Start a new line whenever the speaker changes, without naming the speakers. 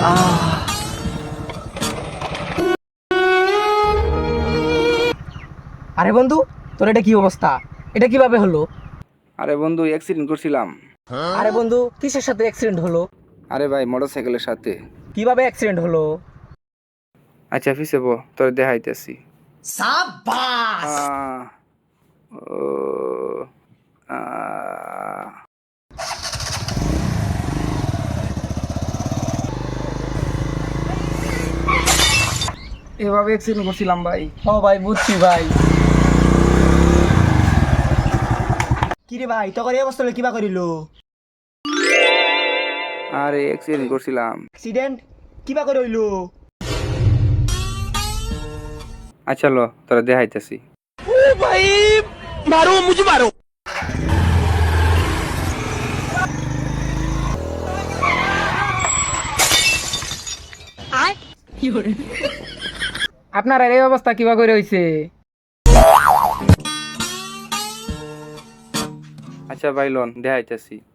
আরে বন্ধু, তোর এটা কি অবস্থা? এটা কিভাবে হলো?
আরে বন্ধু অ্যাক্সিডেন্ট করছিলাম।
আরে বন্ধু, কিসের সাথে অ্যাক্সিডেন্ট হলো?
আরে ভাই মোটরসাইকেলের সাথে।
কিভাবে অ্যাক্সিডেন্ট হলো?
আচ্ছা ফিসে বো, তোর দেখাইতেছি।
সাবাস!
আহ, ও, আহ। এভাবে অ্যাক্সিডেন্ট করছিলাম ভাই।
ও ভাই, বুঝছি ভাই।
কিরে ভাই তখন এই অবস্থা হলো কিবা করিল?
আরে অ্যাক্সিডেন্ট করছিলাম।
অ্যাক্সিডেন্ট কিবা করে হইলো?
আচ্ছা লো, তোরা দেখাইতেছি।
আপনার আর এই অবস্থা কিভাবে করে হইছে?
আচ্ছা ভাই লোন দেখাইতেছি।